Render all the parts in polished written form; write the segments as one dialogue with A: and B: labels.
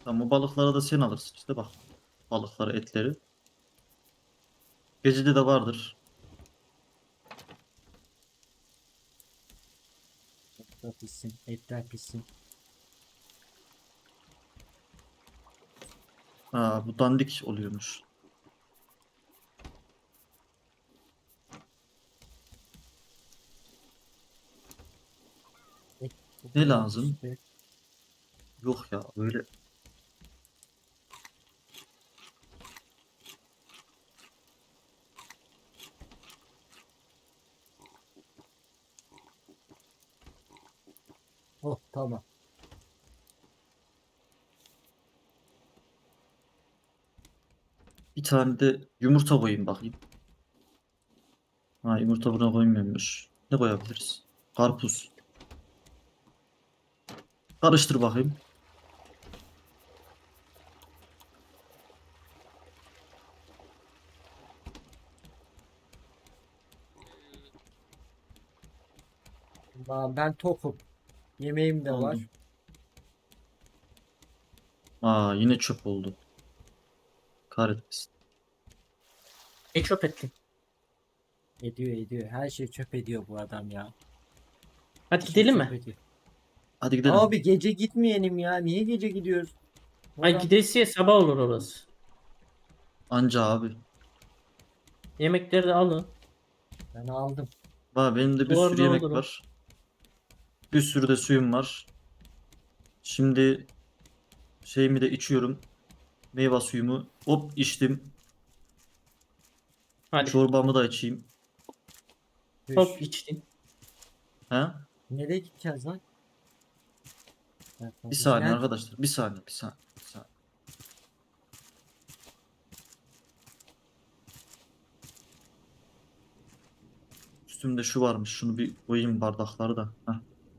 A: Tamam, o balıklara da sen alırsın işte bak. Balıkları, etleri. Gecede de vardır.
B: Etler pişsin. Etler pişsin.
A: Ha, bu dandik oluyormuş.
B: Et bu
A: Ne
B: kadar
A: lazım?
B: pişti.
A: Yok ya böyle.
B: Oh tamam.
A: Bir tane de yumurta koyayım bakayım. Ha, yumurta buna koymuyormuş. Ne koyabiliriz? Karpuz. Karıştır bakayım.
B: Ben tokum. Yemeğim de var.
A: Aldım. Aa, yine çöp oldu. Kahretmesin.
C: Ne çöp ettin?
B: Ediyor ediyor. Her şey çöp ediyor bu adam ya.
C: Hadi
B: Her şey
C: gidelim
B: çöp
C: mi?
B: ediyor.
A: Hadi gidelim.
B: Abi gece gitmeyelim ya. Niye gece gidiyoruz? Bu
C: Ay
B: adam
C: gidesiye sabah olur orası.
A: Anca abi.
C: Yemekleri de alın.
B: ben aldım.
A: Bak benim de bir
C: Suları
A: sürü yemek
C: doldurun.
A: var. Bir sürü de suyum var. Şimdi şeyimi de içiyorum. Meyve suyumu. Hop içtim.
C: Hadi.
A: Çorbamı da içeyim.
C: Hop
B: Düş.
C: içtin.
A: He?
B: Nereye gideceğiz lan?
A: Bir
B: Biz
A: saniye
B: nerede?
A: arkadaşlar. Bir saniye. Bir saniye. Bir saniye. Üstümde şu varmış. Şunu bir koyayım bardakları da. Heh.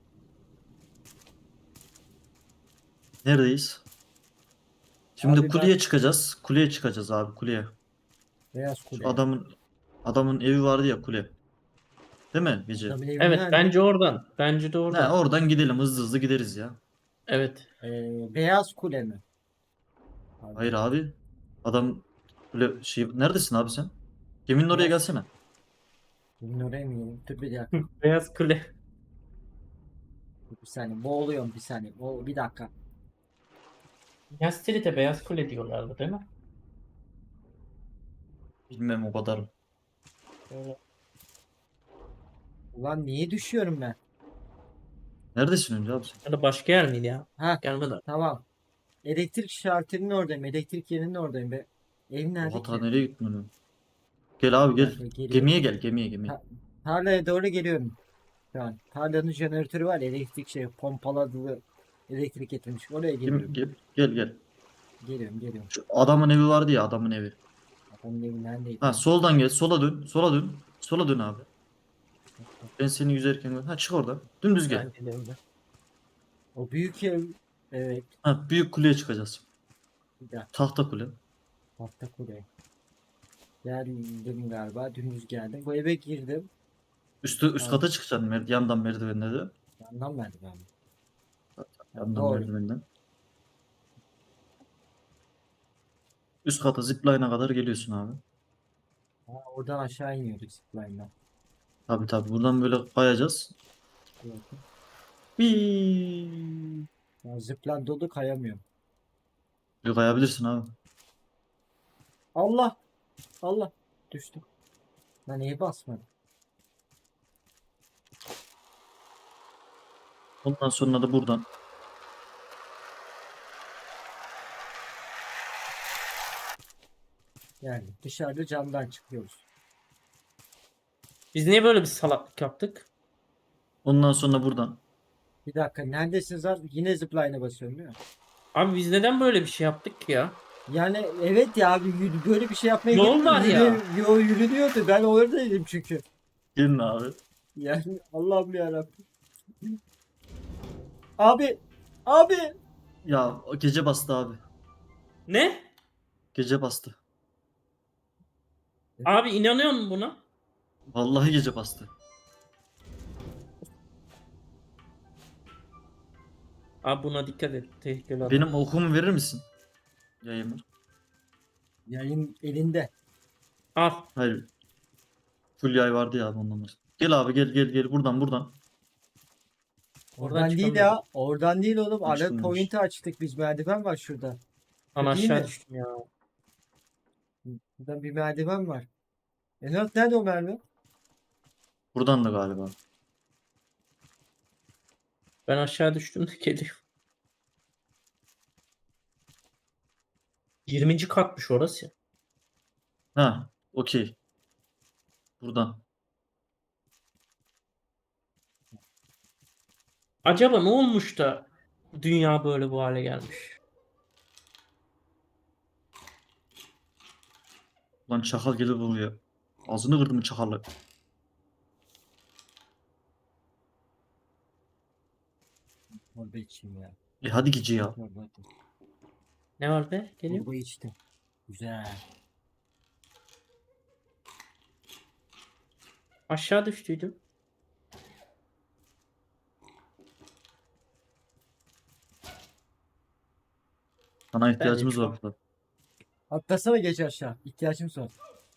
A: Neredeyiz? Şimdi
B: Abi ben
A: kuleye çıkacağız. Kuleye çıkacağız abi, kuleye.
B: Beyaz
A: Şu
B: Kule.
A: adamın evi vardı ya, kule. Değil mi gece?
B: Adamın evi
C: Evet
B: nerede?
C: bence oradan. Bence de
A: Ne,
C: oradan.
A: oradan gidelim, hızlı hızlı gideriz ya.
C: Evet.
B: Beyaz Kule mi?
A: Hayır
B: Pardon.
A: abi. Adam kule şey, neredesin abi sen? Geminin oraya
B: Beyaz
A: gelsene.
B: Bunun oraya mı yiyelim? Dur bir
C: Hı,
B: dakika.
C: Beyaz Kule.
B: Bir saniye. Boğuluyorum bir saniye. Bir dakika.
C: Yastirite Beyaz Kule diyorlardı değil mi?
A: Bilmem o kadar.
B: Ulan niye düşüyorum ben?
A: Neredesin önce abi sen?
C: Ya da başka yer miydi ya?
B: Ha
C: Gelmedi.
B: tamam. Elektrik şartının oradayım. Elektrik yerinin oradayım be. Ev
A: O
B: nerede
A: hata
B: ki?
A: nereye gittin oğlum? Gel abi
B: Bir
A: gel.
B: dakika geliyorum.
A: Gemiye gel, gemiye gemiye.
B: Tarlaya doğru geliyorum. Şu an. Tarlanın jeneratörü var. Elektrik şey pompaladığı elektrik getirmiş. Oraya geliyorum.
A: Gel.
B: Geliyorum.
A: Şu adamın evi vardı ya, adamın evi.
B: Adamın evi neredeydi
A: Ha,
B: lan?
A: soldan gel, sola dön, sola dön. Sola dön abi. Ben seni yüzerken ha, çık oradan. Dümdüz gel.
C: Bence de öyle.
B: O büyük ev. Evet.
A: Ha, büyük kuleye çıkacağız.
B: Bir dakika.
A: Tahta kule.
B: Tahta kule. Geldim galiba. Dümdüz geldim. Bu eve girdim.
A: Üst
B: Abi,
A: kata çıkacaksın yandan merdivenle de.
B: yandan verdi ben. Ha,
A: Yandan
B: doğru.
A: merdivenden. Üst kata zipline'a kadar geliyorsun abi.
B: Ha, oradan aşağı iniyorduk zipline'dan.
A: Tabii buradan böyle kayacağız.
B: Bir dakika.
A: Hii.
B: Ya zipline dolu kayamıyorum.
A: Böyle kayabilirsin abi.
B: Allah! Allah! Düştüm. Ben iyi basmadım.
A: Ondan sonra da buradan.
B: Yani dışarıda camdan çıkıyoruz.
C: Biz niye böyle bir salaklık yaptık?
A: Ondan sonra buradan.
B: Bir dakika neredesiniz abi? Yine zipline'a basıyorum değil mi?
C: Abi biz neden böyle bir şey yaptık ki ya?
B: Yani evet ya abi böyle bir şey yapmaya
C: Yol
B: gerek yok.
C: var ya.
B: Yürünüyordu. Ben oradaydım çünkü.
A: Gelin abi.
B: Yani Allah'ım yarabbim. Abi! Abi!
A: Ya o gece bastı abi.
C: Ne?
A: Gece bastı.
C: Abi inanıyor musun buna?
A: Vallahi gece bastı.
C: Abi buna dikkat et. Tehlikeli adam.
A: Benim okumu verir misin? Yayımı.
B: Yayın elinde.
C: Al.
A: Hayır. Full yay vardı ya ondan bahsediyorum. Gel abi gel buradan.
C: Oradan
B: Oradan değil
C: çıkamıyorum.
B: ya. Oradan değil oğlum. Alert
A: Açtım,
B: point'i açtık biz. Merdiven var şurada.
C: Lan
B: Değil
C: aşağı
B: mi?
C: düştüm ya.
B: Burada bir merdiven var. Enot nerede o merdiven?
A: Buradan da galiba.
C: Ben aşağı düştüm de geliyor. 20. katmış orası.
A: Ha, okey. Buradan.
C: Acaba ne olmuş da dünya böyle bu hale gelmiş?
A: Lan çakal gelip vuruyor. Ağzını kırdı mı çakalı?
B: Torba içeyim ya.
A: Hadi gici ya.
B: Torba atayım.
C: Ne var be? Geliyor.
B: Torba içtim. Güzel.
C: Aşağı düştüydüm.
A: Sana ihtiyacımız
C: çok-
A: var burada.
B: Atlasana geç aşağı. İhtiyacım var.
D: I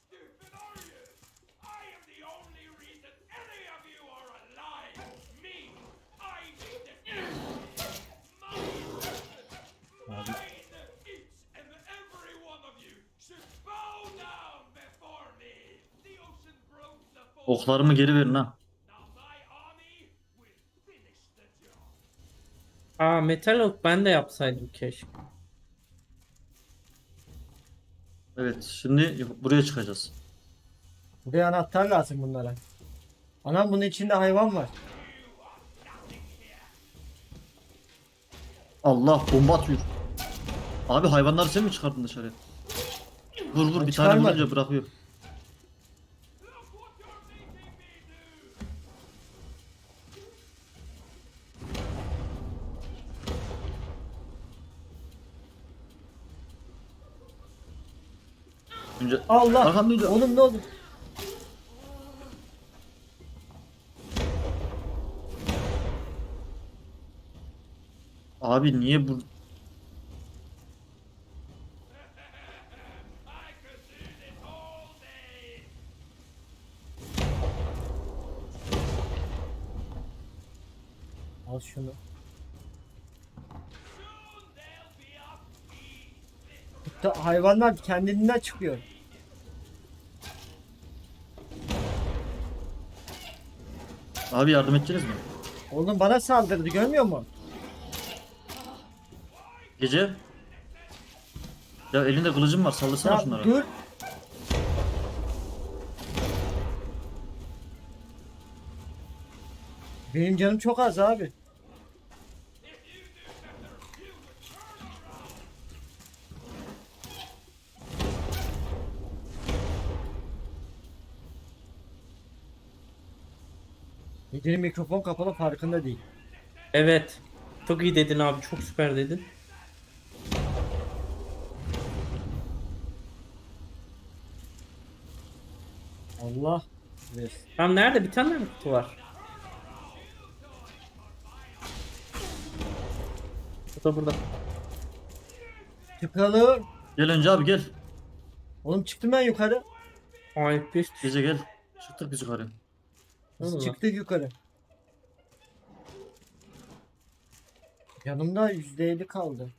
D: am the only reason any of you are alive. Me, I made the mine. Each and every one of you should bow down before me. The ocean broke the fall.
A: Oklarımı geri verin ha.
D: Now my army will finish the job.
C: Aa, metal ok ben de yapsaydım keşke.
A: Evet şimdi buraya çıkacağız.
B: Buraya anahtar lazım bunlara. Anam bunun içinde hayvan var.
A: Allah bomba atıyor. Abi hayvanları sen mi çıkardın dışarı? Vur bir tane
B: çıkarmadım.
A: vurunca bırakıyor. Önce
B: Allah!
A: Arkanda önce.
B: Oğlum ne oldu?
A: Abi niye bu
D: I could do this all day.
B: Al şunu.
D: Soon they'll be up east.
B: Hayvanlar kendiliğinden çıkıyor.
A: abi yardım edeceğiz mi?
B: Oğlum bana saldırdı görmüyor musun?
A: Gece. Ya elinde kılıcım var saldırsana
B: Ya
A: şunlara.
B: dur. Benim canım çok az abi. Gecenin mikrofon kapalı farkında değil.
C: Evet. Çok iyi dedin abi. Çok süper dedin.
B: Allah. Ver.
C: Tam nerede? Bir tane mi kutu var? Bu da burada.
B: Çıkalım.
A: Gel önce abi gel.
B: Oğlum çıktım ben yukarı.
C: Ay bir
A: Gece gel. Çıktık biz yukarı.
B: Biz
C: Allah.
B: çıktık yukarı. Yanımda %50 kaldı.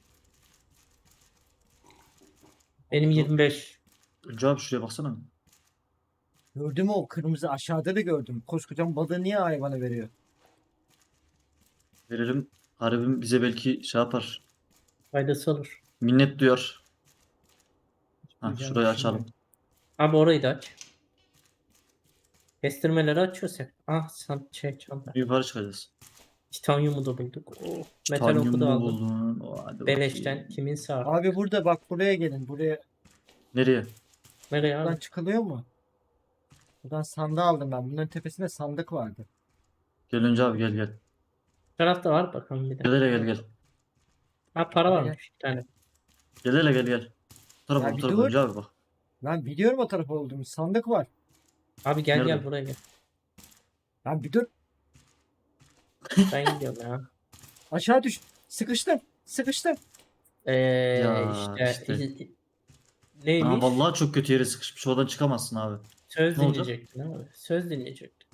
C: Benim 25.
A: Önce abi şuraya baksana.
B: Gördün mü o kırmızı aşağıda da gördüm. Koskocaman balığı niye hayvana veriyor?
A: Verelim. Harbim bize belki şey yapar.
C: Faydası olur.
A: Minnet duyar. Ha,
B: Duyacağım
A: şurayı
B: şimdi.
A: açalım.
C: Abi orayı da aç. Kestirmeleri açıyoruz hep. Ah sen çanta.
A: Yukarı çıkacağız.
C: Titanyumu da bulduk. Oh, metal oku
A: Titanyum
C: da
A: mu
C: aldım.
A: buldun? O, hadi
C: Beleşten
A: bakayım.
C: kimin sağ?
B: Abi burada bak buraya gelin. Buraya
A: Nereye?
C: Nereye
B: buradan
C: abi?
B: çıkılıyor mu? Buradan sandığı aldım ben. Bunların tepesinde sandık vardı.
A: Gel önce abi gel.
C: Bu tarafta var bakalım bir de.
A: Gel hele gel.
C: Ha para
B: Hadi
C: varmış bir tane.
A: Gel hele gel. Bu tarafa
B: Ya
A: bu
B: bir
A: tarafa
B: dur.
A: önce abi bak.
B: Ben biliyorum o tarafa olduğumu. Sandık var.
C: Abi gel
A: Nerede?
C: gel buraya gel.
B: Ben bir dur.
C: Ben gidiyorum ya.
B: Aşağı düş. Sıkıştım. Sıkıştım.
C: işte,
A: işte.
C: neymiş?
A: Ha, vallahi çok kötü yere sıkışmış. Oradan çıkamazsın abi.
C: Söz
A: Ne olacak?
C: dinleyecektin abi. Söz dinleyecektin.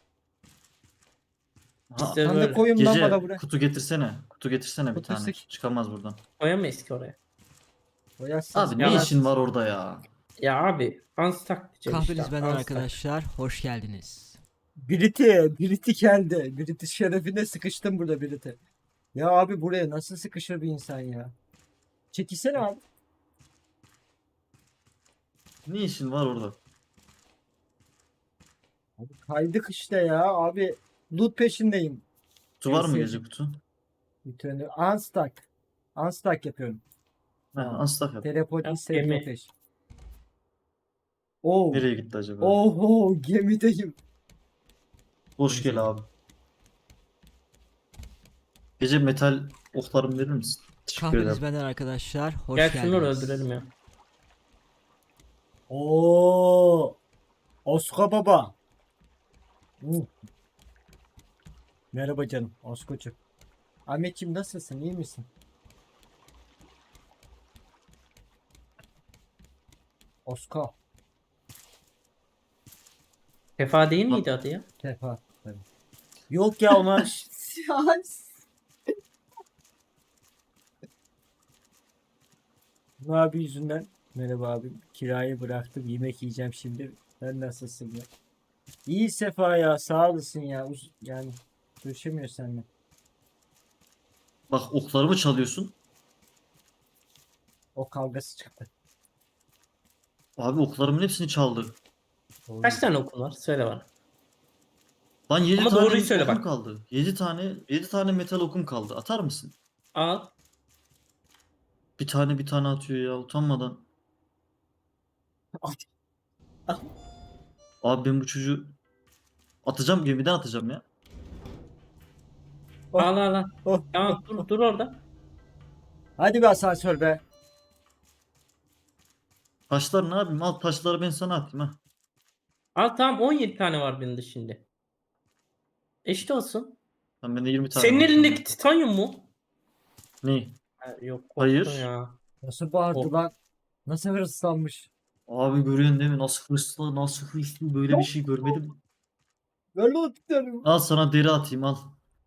A: Ha,
C: İşte
B: Sen de
C: böyle.
B: koyun lan bana
A: gece
B: buraya.
A: kutu getirsene. Kutu getirsene bir
B: Kutu
A: tane.
B: sık.
A: Çıkamaz buradan.
C: Koyamayız ki oraya.
B: Koyarsın.
A: Abi ne
C: Ya-
A: işin var orada ya?
C: Ya abi unstuck diyeceğim
E: Kahveniz
C: işte.
E: benden
C: Unstuck.
E: arkadaşlar. Hoş geldiniz.
B: Briti geldi. Briti şerefine sıkıştım burada Briti. Ya abi buraya nasıl sıkışır bir insan ya? Çekilsene abi.
A: Ne işin var orada?
B: Abi kaydık işte ya abi. Loot peşindeyim.
A: Kutu var mı
B: Neyse.
A: gece kutu?
B: Bir tane unstuck. Unstuck yapıyorum.
A: Ha, asla yap.
B: Teleport
C: Yap,
B: seviye
C: gemi.
B: 5. Oo.
A: Nereye gitti acaba?
B: Oho gemideyim.
A: Hoş gel abi. Gece metal oklarımı verir misin? Teşekkür
E: Kahveniz
A: ederim.
E: benden arkadaşlar. Hoş
C: Gel
E: geldiniz.
C: şunları öldürelim ya.
B: Oo. Osko baba. Merhaba canım. Oskoçum. Ahmetciğim nasılsın? İyi misin? Osko.
C: Sefa değil miydi adı ya?
B: Tefa. Tabii. Yok ya ona Bu abi yüzünden. Merhaba abi. Kirayı bıraktım. Yemek yiyeceğim şimdi. Ben nasılsın ya? İyi Sefa ya. Sağ olasın ya. Yani görüşemiyor seninle.
A: Bak oklarımı çalıyorsun.
B: O kavgası çıktı.
A: Abi oklarımın hepsini çaldı.
B: Doğru.
C: Kaç tane okun var? Söyle bana.
A: Lan 7
C: Ama
A: tane
C: doğruyu söyle
A: okum
C: bak.
A: kaldı. 7 tane metal okum kaldı. Atar mısın?
C: Al.
A: Bir tane atıyor ya utanmadan.
B: At.
A: Abi ben bu çocuğu atacağım, gemiden atacağım ya.
B: Oh.
C: Al al al.
B: Oh.
C: Tamam dur orada.
B: Hadi be asansör be.
A: Taşlar ne yapayım? Al taşları ben sana atayım ha.
C: Al tamam 17 tane var benim de şimdi. Eşit olsun.
A: Lan bende 20 tane
C: Senin
A: var.
C: elindeki titanyum mu?
A: Ne?
C: Ha, yok korktum
A: Hayır.
C: ya.
B: Nasıl bağırdı
C: Oh.
B: lan? Nasıl hırslanmış?
A: Abi görüyorsun değil mi? Nasıl hırslı böyle bir şey görmedim.
B: Böyle tutuyorum.
A: Al sana deri atayım al.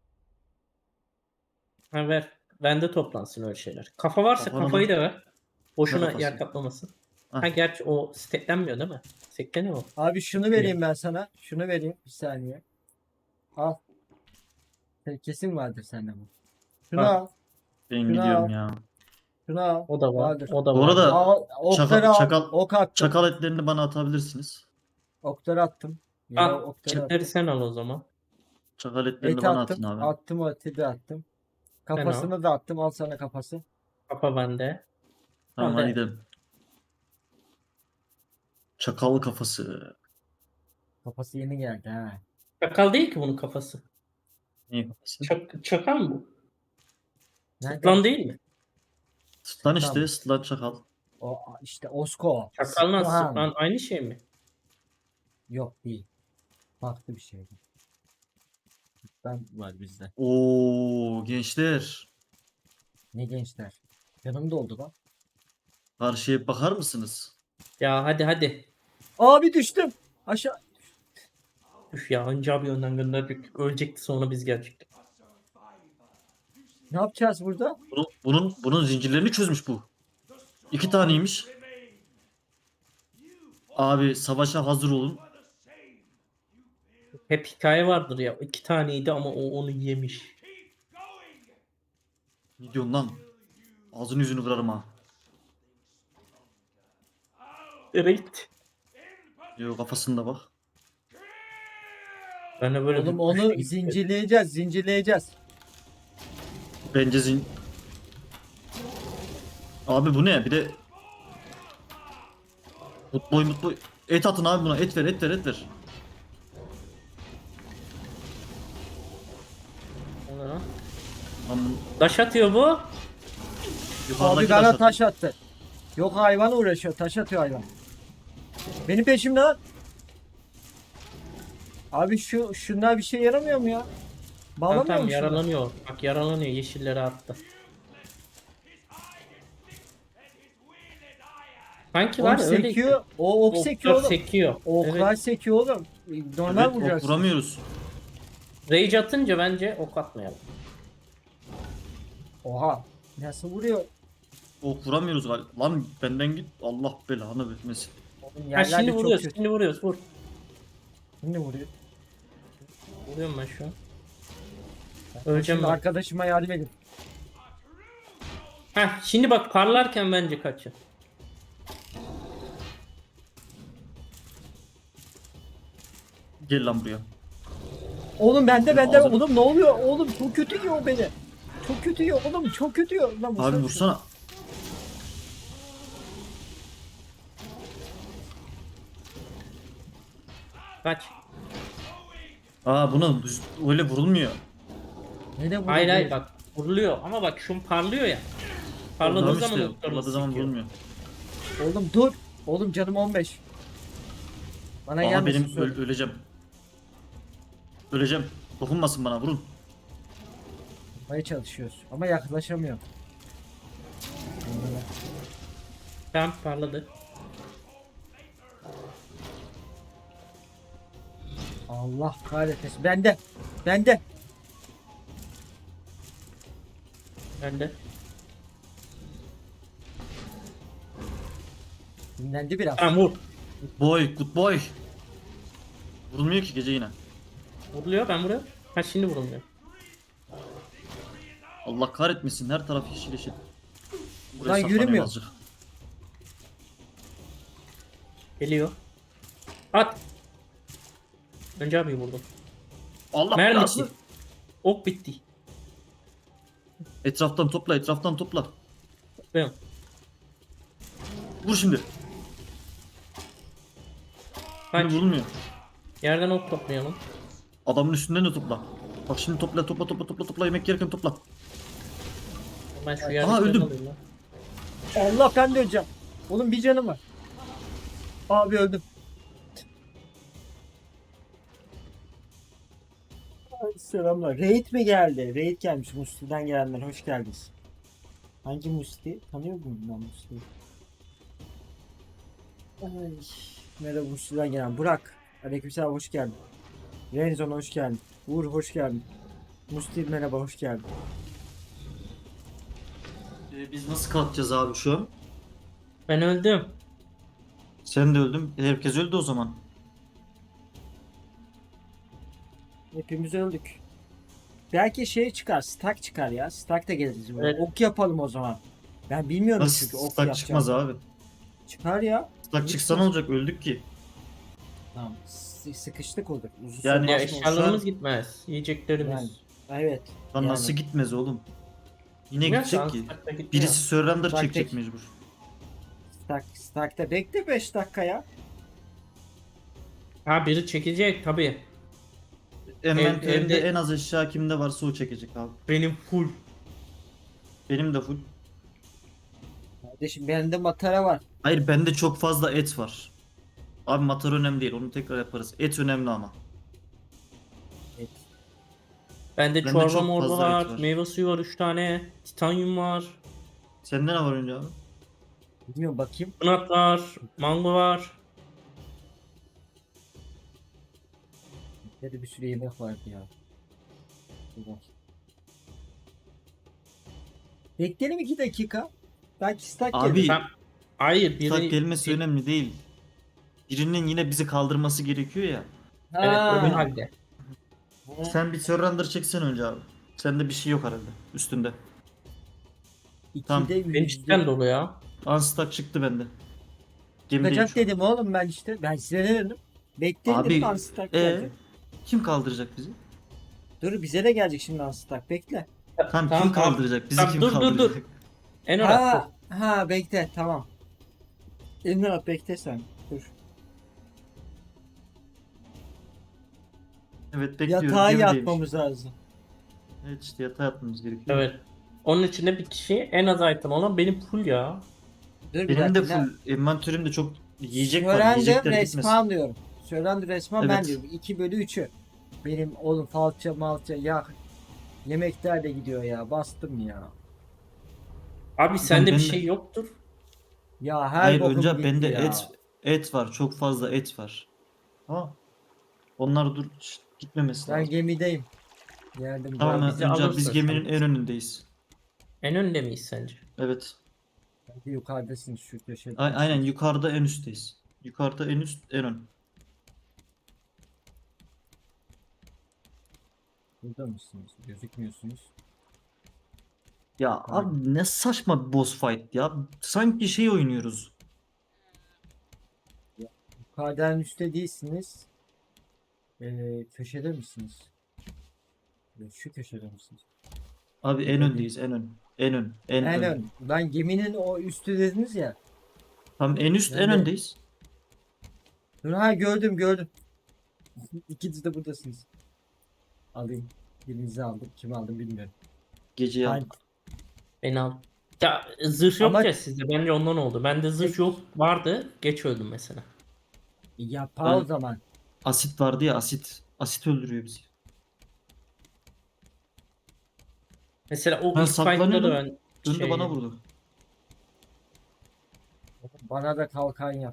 C: Ha ver. Bende toplansın öyle şeyler. Kafa varsa
A: Kafana
C: kafayı
A: bak.
C: da ver. Boşuna
A: kafası?
C: yer kaplamasın.
A: Ha.
C: Ha gerçi o steklenmiyor değil mi? Stekleniyor mu?
B: Abi şunu vereyim ben sana. Şunu vereyim. Bir saniye. Al. Kesin vardır sende bu. Şunu
C: Ha.
B: al.
A: Ben
B: Şunu
A: gidiyorum
B: al.
A: ya.
B: Şunu al.
C: O da var.
B: Vardır.
C: O da
A: Bu
C: var.
A: arada
B: Al, okları al.
A: çakal-
B: Ok attım.
A: Çakal etlerini bana atabilirsiniz.
B: Okları attım. Ya
C: Al.
B: okları attım.
C: Çitleri sen al o zaman.
A: Çakal etlerini
B: Et
A: bana
B: attım.
A: atın abi.
B: Attım o eti de attım. Kafasını da attım. Al sana kafası.
C: Kafa bende.
A: Tamam
C: Hadi.
A: hadi gidelim. Çakal kafası.
B: Kafası yeni geldi ha.
C: Çakal değil ki bunun kafası.
A: Ne kafası?
C: Çakal mı bu?
B: Nereden?
C: Sıtlan değil mi?
A: Sırtlan
B: Tamam.
A: işte sırtlan çakal.
B: O işte Osko.
C: Çakalla
B: Sıtlan.
C: sıtlan aynı şey mi?
B: Yok değil. Farklı bir şey. Sıtlan var bizde.
A: Oo gençler.
B: Ne gençler. Canım doldu lan.
A: Karşıya bakar mısınız?
C: Ya hadi.
B: Abi düştüm. Aşağı.
C: Üf ya önce abi önden gönderdik. Ölecekti sonra biz gelecektik.
B: Ne yapacağız burada?
A: Bunun zincirlerini çözmüş bu. 2 taneymiş. Abi savaşa hazır olun.
C: Hep hikaye vardır ya. 2 taneydi ama o onu yemiş.
A: Ne diyorsun lan? Ağzını yüzünü kırarım ha.
C: Evet.
A: Yo kafasında bak.
C: Ben de böyle
B: Oğlum
C: bir
B: onu
C: hoşuma gitti.
B: zincirleyeceğiz.
A: Bence Abi bu ne? Bir de mutboy. Et atın abi buna. Et ver.
C: O ne lan?
A: Lan
C: Taş atıyor bu.
B: Abi
A: yukarıdaki
B: bana
A: taş
B: taş attı. Yok hayvan uğraşıyor. Taş atıyor hayvan. Benim peşimde lan. Abi şunlar bir şey yaramıyor mu ya?
C: Tamam
B: Bağlamıyor
C: tamam
B: musun?
C: yaralanıyor. Bak yaralanıyor, yeşilleri attı. Sanki var
B: Ok
C: ya öyle.
B: sekiyor. O ok sekiyor
C: Oklar
B: oğlum.
C: sekiyor.
B: Oklar
C: Evet.
B: sekiyor oğlum. Normal
A: Evet, ok
B: vuracaksın.
A: vuramıyoruz.
C: Rage atınca bence ok atmayalım.
B: Oha. Nasıl vuruyor?
A: Ok vuramıyoruz galiba. Lan benden git. Allah belanı vermesin.
B: Oğlum
C: Ha
B: yerler de
C: şimdi
B: çok
C: vuruyoruz,
B: kötü.
C: şimdi vuruyoruz. Vur.
B: Şimdi vuruyor.
C: Vuruyorum ben şu an.
B: Şimdi
C: Öleceğim ben.
B: arkadaşıma yardım edin.
C: Heh, şimdi bak parlarken bence kaçın.
A: Gel lan buraya.
B: Oğlum bende
A: Ağzını-
B: oğlum ne oluyor? Oğlum çok kötü yiyor beni. Çok kötü yiyor oğlum çok kötü yiyor. Lan
A: Abi vursana.
C: Kaç.
A: Aa buna öyle vurulmuyor.
B: Ne de vuruyor?
C: Hayır hayır bak vuruluyor ama bak şun parlıyor ya. Parladığı
A: Tamam
C: zaman
A: işte,
C: oklarını
A: parladığı zaman
C: sekiyor.
A: vurulmuyor.
B: Oğlum dur. Oğlum canım 15. Bana
A: Aa
B: gelmesin
A: benim
B: söyle.
A: öleceğim. Öleceğim. Dokunmasın bana, vurun.
B: Yapmaya çalışıyoruz ama yaklaşamıyor.
C: Tamam parladı.
B: Allah kahretmesin. Bende. Bende.
C: Ben de.
B: Dinlendi biraz.
C: Tamam vur.
A: Boy, good boy. Vurulmuyor ki gece yine.
C: Vuruluyor ben vuruyorum. Ha şimdi vurulmuyor.
A: Allah kahretmesin, her taraf yeşil yeşil. Buraya
B: Lan
A: saklanayım
B: yürümüyor.
A: azıcık.
C: Geliyor. At. Önce abi vurdum.
A: Allah
C: Mermi
A: belasını.
C: bitti. Ok bitti.
A: Etraftan topla, etraftan topla.
C: Benim.
A: Vur şimdi.
C: Kaç.
A: Şimdi vurulmuyor.
C: Yerden ok toplayalım.
A: Adamın üstünden de topla. Bak şimdi topla, topla, topla, topla, topla. Yemek yerken topla.
C: Ben şu
A: Aha,
C: yerden
A: öldüm.
C: alayım lan.
B: Allah ben de öleceğim. Oğlum bir canım var. Abi öldüm. Ay, selamlar. Raid mi geldi? Raid gelmiş. Musti'den gelenler hoş geldiniz. Hangi Musti? Tanıyor muyum ben Musti'yi? Ay. Merhaba Musti'den gelen. Burak. Aleykümselam hoş geldin. Renzon hoş geldin. Uğur hoş geldin. Musti merhaba hoş geldin.
A: Biz nasıl kalkacağız abi şu an?
C: Ben öldüm.
A: Sen de öldün. Herkes öldü o zaman.
B: Hepimiz öldük. Belki şey çıkar, stack çıkar ya. Stack da geliriz. Böyle.
C: Evet.
B: Ok yapalım o zaman. Ben bilmiyorum
A: Nasıl
B: çünkü ok
A: stack
B: yapacağım.
A: çıkmaz abi.
B: Çıkar ya.
A: Stack çıksa ne olacak? Öldük ki.
B: Tamam. Sıkıştık olur. Uzun
A: Yani
B: süre
C: Ya
B: basma olur.
C: eşyalarımız gitmez. Yiyeceklerimiz.
B: Yani, evet.
A: Lan
B: Yani.
A: nasıl gitmez oğlum? Yine
C: Ya,
A: gidecek
C: şans
A: ki.
C: takla gitmiyor.
A: Birisi surrender
B: Bak
A: çekecek
B: tek-
A: mecbur.
B: Stack'ta bekle 5 dakika ya.
C: Ha biri çekecek tabii.
A: Envanterimde
C: evde-
A: en az eşya kimde varsa o çekecek abi.
C: Benim full.
A: Benim de full.
B: Kardeşim bende matara var.
A: Hayır, bende çok fazla et var. Abi matar önemli değil, onu tekrar yaparız. Et önemli ama.
B: Evet.
C: Bende
A: Bende
C: çorba
A: çok
C: morba
A: fazla et
C: var.
A: var.
C: Meyve suyu var 3 tane. Titanyum var.
A: Sende ne var önce abi?
B: Bilmiyorum bakayım.
C: Donut var. Mango var.
B: Nerede bir sürü yemek vardı ya. Dur bak. Bekleyelim 2 dakika. Belki stack
A: Abi,
B: gelir.
C: Ben... Hayır biri...
A: Stack gelmesi önemli değil. Birinin yine bizi kaldırması gerekiyor ya.
C: Evet
B: Ha.
C: ölü halde.
A: Sen bir surrender çeksen önce abi. Sende bir şey yok herhalde üstünde. Tamam.
B: İkide
C: Benim cidden dolu ya.
A: Unstuck çıktı bende. Gemideyim
B: Çıkacak
A: şu an.
B: dedim oğlum ben işte. Ben size ne dedim? Bekleyin
A: Abi,
B: dedim unstuck gelecek.
A: kim kaldıracak bizi?
B: Dur bize de gelecek şimdi unstuck bekle.
A: Tamam, kim kaldıracak? Bizi
C: Tamam,
A: kim
C: dur, dur,
A: kaldıracak?
C: dur. En orası.
B: Ha bekle tamam. Emre bekle sen. Dur.
A: Evet, bekliyorum.
B: Yatağa
A: gemideymiş.
B: yatmamız lazım.
A: Evet işte yatağa yatmamız gerekiyor.
C: Evet. Onun içinde bir kişi en az item olan benim full ya.
B: Dur bir
A: Benim de
B: dakika.
A: full envanterimde çok yiyecek var.
B: Surrender
A: Yiyecekler gitmez.
B: respawn diyorum. Surrender respawn ben
A: Evet.
B: diyorum. 2/3'ü. Benim oğlum falça malça ya Yemekler de gidiyor ya. Bastım ya.
C: Abi sende bir
A: ben de-
C: şey yoktur.
B: Ya her
A: Hayır
B: bokum
A: önce
B: gitti
A: bende
B: ya.
A: et var. Çok fazla et var. Ha. Onlar gitmemesi
B: Ben
A: lazım.
B: gemideyim. Geldim
A: Tamam
B: geldim.
C: bizi
A: önce biz
C: alırsın
A: geminin
C: sen.
A: en önündeyiz.
C: En önde miyiz sence?
A: Evet.
B: Hadi yukarıdasın şu köşede.
A: Aynen yukarıda en üstteyiz. Yukarıda en üst en ön.
B: Burada mısınız? Gözükmüyorsunuz.
A: Ya abi ne saçma bir boss fight ya. Sanki şey oynuyoruz.
B: Yukarıdan üstte değilsiniz. Köşede misiniz? Şu köşede misiniz?
A: Abi en öndeyiz en ön. En ön. En
B: En
A: ön.
B: ön. Ben geminin o üstü dediniz ya.
A: Tam en üst en
B: Ben de-
A: öndeyiz.
B: Dur, ha gördüm gördüm. İkiniz de buradasınız. Alayım. Birinizi aldım. Kimi aldım bilmiyorum.
A: Gece ya.
B: Hayır.
C: Beni al. Ya zırh yok
B: Ama-
C: ya sizde. Bence ondan oldu. Bende zırh yok vardı. Geç öldüm mesela.
B: Yapar o
A: Ben-
B: zaman.
A: Asit vardı ya asit. Asit öldürüyor bizi.
C: Mesela o
A: Ben
C: ilk fight'ta da
A: saklanıyordum.
C: ben
A: Döndü bana
C: şeydim.
A: vurdu.
B: Bana da kalkan yap.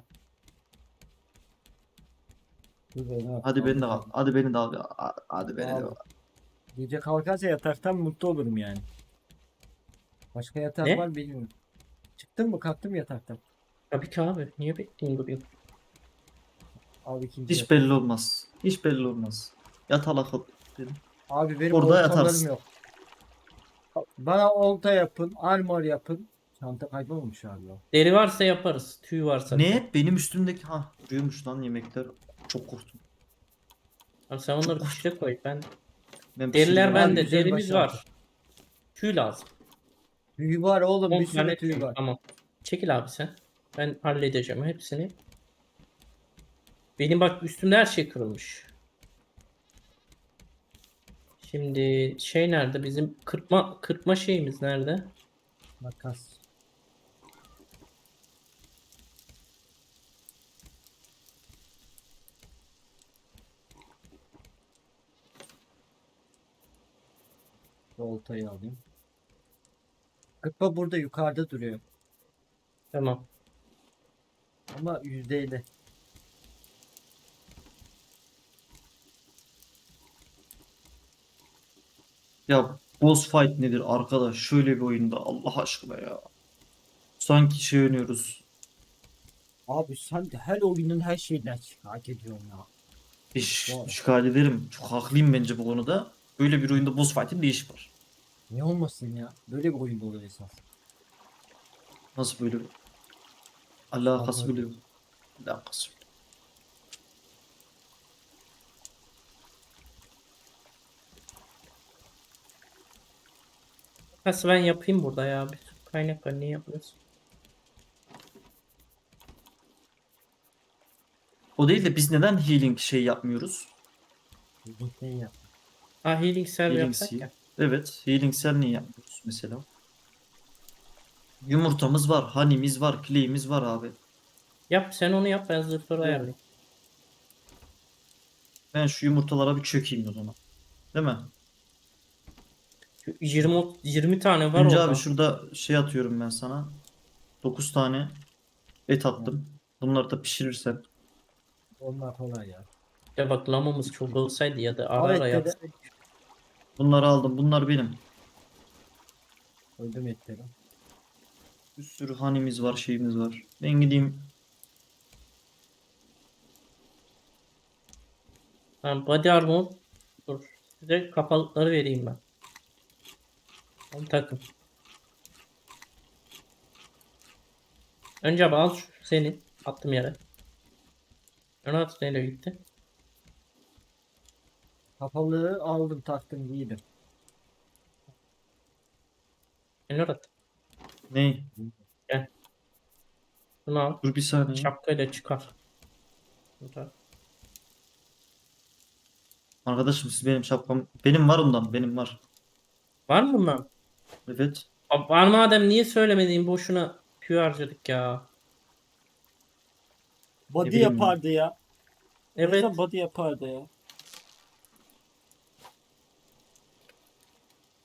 B: Dur beni al.
A: Hadi beni de al.
B: Kalkan.
A: Hadi beni de al. Hadi beni de
B: Al.
A: al.
B: Gece kalkarsa yataktan mutlu olurum yani. Başka yatak
C: Ne?
B: var bilmiyorum. Çıktın mı kalktım yataktan.
C: Tabii ki abi. Niye bekleyin duruyor?
A: Hiç
B: Hiç yatak.
A: belli olmaz. Hiç belli olmaz. Yatalak ol dedim.
B: Abi benim
A: Orada
B: oltalarım
A: yatarsın.
B: yok. Bana olta yapın, armor yapın. Çanta kaybolmuş abi o.
C: Deri varsa yaparız. Tüy varsa.
A: Ne? Benim üstümdeki ha duruyormuş lan yemekler. Çok korktum.
C: Abi sen onları pişire koy. Ben
A: Ben
C: deriler
A: pişireceğim.
C: bende.
B: güzel
C: Derimiz
B: başardı.
C: var. Tüy lazım.
B: Tüy var oğlum
C: 10
B: bir sürü
C: tane
B: tüy
C: tüy.
B: var.
C: Tamam. Çekil abi sen. Ben halledeceğim hepsini. Benim bak üstümde her şey kırılmış. Şimdi şey nerede? Bizim kırpma şeyimiz nerede?
B: Makas. Oltayı alayım. Kırpma burada yukarıda duruyor.
C: Tamam.
B: Ama %50.
A: Ya boss fight nedir arkadaş? Şöyle bir oyunda Allah aşkına ya. Sanki şey oynuyoruz.
B: Abi sen de her oyunun her şeyinden şikayet ediyorsun ya. Doğru.
A: Şikayet ederim. Çok haklıyım bence bu konuda. Böyle bir oyunda boss fight'in ne işi var?
B: Ne olmasın ya? Böyle bir oyun olur esas.
A: Nasıl böyle? Alakası
B: Anladım.
A: bile yok. Alakası bile.
C: Nasıl ben yapayım burada ya? Bir sürü kaynak var. Niye yapıyorsun?
A: O değil de biz neden healing şey yapmıyoruz?
B: Ne yap?
C: Ha healing serve
A: Healing
C: yapsak
A: seal.
C: ya.
A: Evet. Healing cell niye yapmıyoruz mesela? Yumurtamız var. Honey'miz var. Clay'imiz var abi.
C: Yap sen onu yap ben zırhları
B: Evet.
C: ayarlayayım.
A: Ben şu yumurtalara bir çökeyim o zaman. Değil mi?
C: Şu 20 tane var
A: Önce
C: orada.
A: abi şurada şey atıyorum ben sana. 9 tane et attım. Bunları da pişirirsen.
B: Onlar kolay ya.
C: Ya bak lamamız çok olsaydı ya da ara
B: Evet
C: ara
B: dede.
C: yapsaydık.
A: Bunları aldım. Bunlar benim.
B: Öldüm etleri.
A: Bir sürü hanemiz var, şeyimiz var. Ben gideyim.
C: Tamam body armor. Dur. Size kapalıkları vereyim ben. Onu takın. Önce abi al şu senin. Attım yere. Onu at neyle gitti?
B: Kapalığı aldım taktım giydim.
C: Onu at.
A: Ne?
C: Bunu al.
A: Dur bir saniye.
C: Şapkayla çıkar. Burada.
A: Arkadaşım siz benim şapkam. Benim var ondan. Benim var.
C: Var mı bundan?
A: Evet.
C: Abi, var madem niye söylemediğin boşuna Q harcadık ya.
B: Body
A: bileyim ben.
B: yapardı ya.
C: Evet.
B: Body yapardı ya.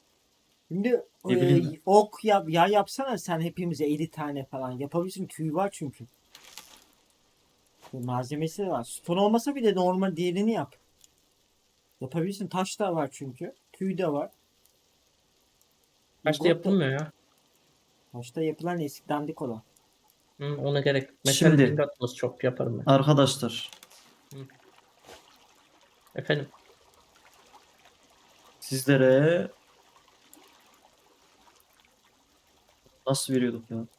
B: Şimdi
A: Ne bileyim ben.
B: ok yap, ya yapsana sen hepimize 50 tane falan. Yapabilirsin. Tüy var çünkü. Malzemesi de var. Stone olmasa bile normal diğerini yap. Yapabilirsin. Taş da var çünkü. Tüy de var.
C: Kaçta
B: Ingot da-
C: yapılmıyor ya.
B: Taşta yapılan eski dandik olan.
C: Ona gerek. Metal
A: Şimdi
C: ring atması çok yaparım ben.
A: arkadaşlar
C: Efendim.
A: sizlere nasıl veriyorduk ya?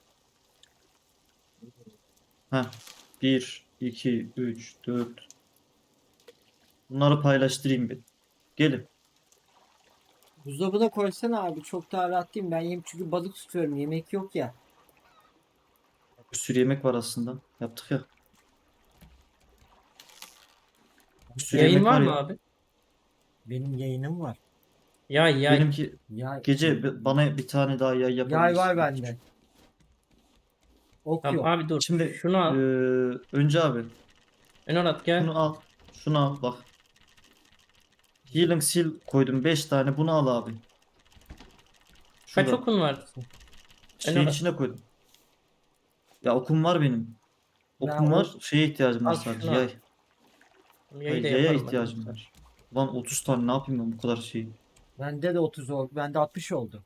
A: Heh. 1, 2, 3, 4. Bunları paylaştırayım bir. Gelin.
B: Buzdolabına koysana abi. Çok daha rahat değil mi? Ben çünkü balık tutuyorum. Yemek yok ya.
A: Bir sürü yemek var aslında. Yaptık ya. Bir sürü
C: Yayın
A: yemek
C: var
A: var
C: mı
A: ya.
C: abi?
B: Benim yayınım var.
C: Yay.
A: Benimki
B: Yay,
A: gece bana bir tane daha yay
B: yay var
A: yapabilirsin.
B: bende. Ok
C: Tamam
B: yok.
C: abi dur.
A: Şimdi
C: Şunu al.
A: önce abi
C: Önerat gel.
A: şunu al. Şunu al bak. Healing Seal koydum 5 tane. Bunu al abi.
C: Kaç
A: Şurada.
C: okun var?
A: Şeyin
C: Önerat.
A: içine koydum. Ya okum var benim.
B: Ben
A: Okum
B: o
A: var. Şeye ihtiyacım var
C: Al
A: sadece.
C: şunu al.
A: Yay.
C: Yayı
A: Hayır
C: da
A: yaya
C: yaparım ben.
A: ihtiyacım var. Lan 30 tane ne yapayım ben bu kadar şeyi.
B: bende de 30 oldu. Bende 60 oldu.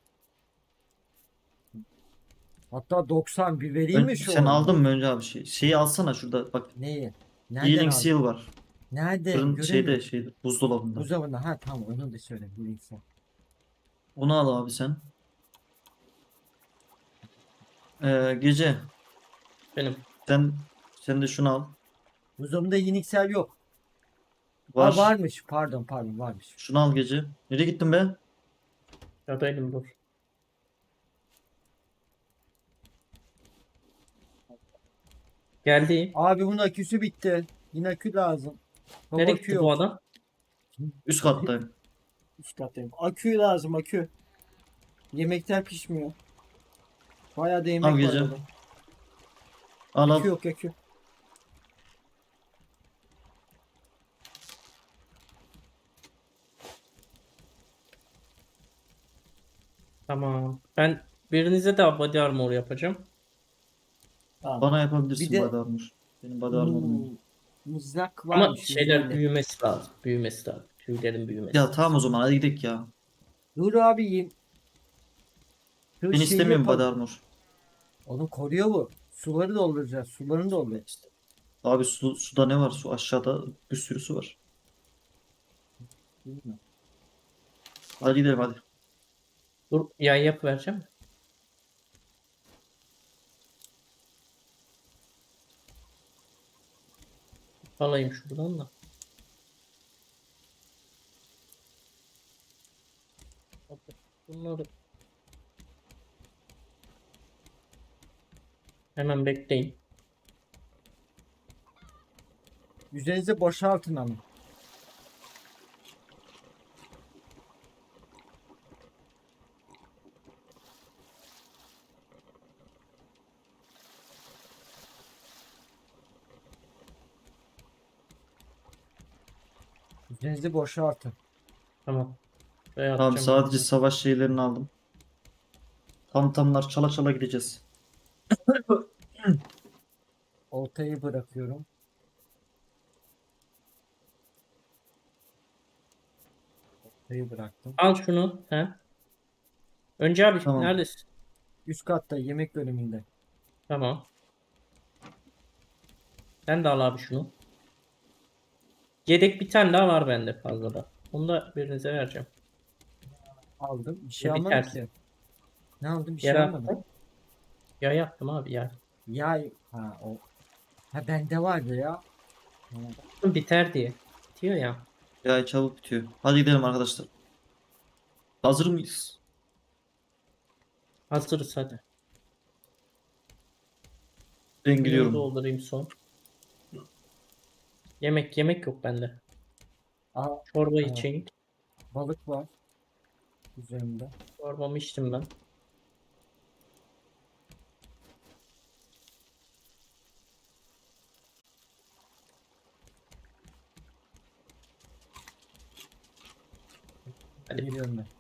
B: Hatta 90 bir vereyim mi şu
A: Sen
B: oyunu?
A: aldın mı önce abi şey? Şeyi alsana şurada bak.
B: Neyi? Nereden
A: Healing
B: aldın?
A: Seal var.
B: Nerede?
A: Fırın
B: Göremiyorum.
A: şeyde buzdolabında.
B: Buzdolabında. Ha tamam onu da söyle. Bilirsin.
A: Onu al abi sen. Gece
C: Benim.
A: sen sen de şunu al.
B: Buzdolabında yeniksel yok. Aa
A: Var.
B: varmış. Pardon varmış.
A: Şunu al gece. Nereye gittin be?
C: Ya da elim dur. Geldi.
B: Abi bunun aküsü bitti. Yine akü lazım. Baba
C: Nereye
B: akü
C: gitti bu
B: yok.
C: adam?
A: Üst kattayım.
B: Üst kattayım. Akü lazım akü. Yemekler pişmiyor. Bayağı da
A: Al
B: yemek var
A: gece.
B: orada.
A: Al al.
B: Akü yok akü.
C: Tamam. Ben birinize de body armor yapacağım.
B: Tamam.
A: Bana
B: Bir
A: yapabilirsin
B: de
A: body armor. Benim body armorum yok.
B: mızrak
C: Ama
B: varmış.
C: şeyler
B: 150.
C: büyümesi lazım. Büyümesi lazım. Tüylerin büyümesi
A: Ya
C: lazım.
A: tamam o zaman hadi gidelim ya.
B: Dur abi yiyeyim. Şu
A: Ben
B: şeyi
A: istemiyorum body
B: yapalım.
A: armor.
B: Onu koruyor bu. Suları dolduracağız. Sularını doldur.
A: Abi suda ne var? Su aşağıda bir sürü su var.
B: Bilmiyorum.
A: Hadi gidelim hadi.
C: Dur yay yap vereceğim. Alayım şuradan da. Bunları hemen bekleyin.
B: Üzerinize boşaltın ama. Üzerinizi boşaltın.
C: Tamam. Şuraya
A: Tamam
C: atacağım.
A: sadece savaş şeylerini aldım. Tamlar çala çala gideceğiz.
B: Oltayı bırakıyorum. Oltayı bıraktım.
C: Al şunu. He. Önce abi
A: Tamam.
C: neredesin?
B: Üst katta yemek bölümünde.
C: Tamam. Sen de al abi şunu. Yedek bir tane daha var bende fazla. Onu da birinize vereceğim.
B: Aldım. Bir şey
C: Bu
B: almadım
C: biter.
B: ki. Ne aldım? Bir şey
C: Yere
B: almadım.
C: attım. Ya yaptım abi ya.
B: Yay. Ha o. Ha bende vardı ya. Ha,
C: Biter diye. Bitiyor ya.
A: Ya çabuk bitiyor. Hadi gidelim arkadaşlar. Hazır mıyız?
C: Hazırız hadi.
A: Ben
C: Şunu
A: gidiyorum.
C: doldurayım son. Yemek yok bende.
B: Aa,
C: Çorba
B: ha,
C: içeyim.
B: balık var. Üzerimde.
C: Çorbamı içtim ben. Hadi.
B: Geliyorum ben.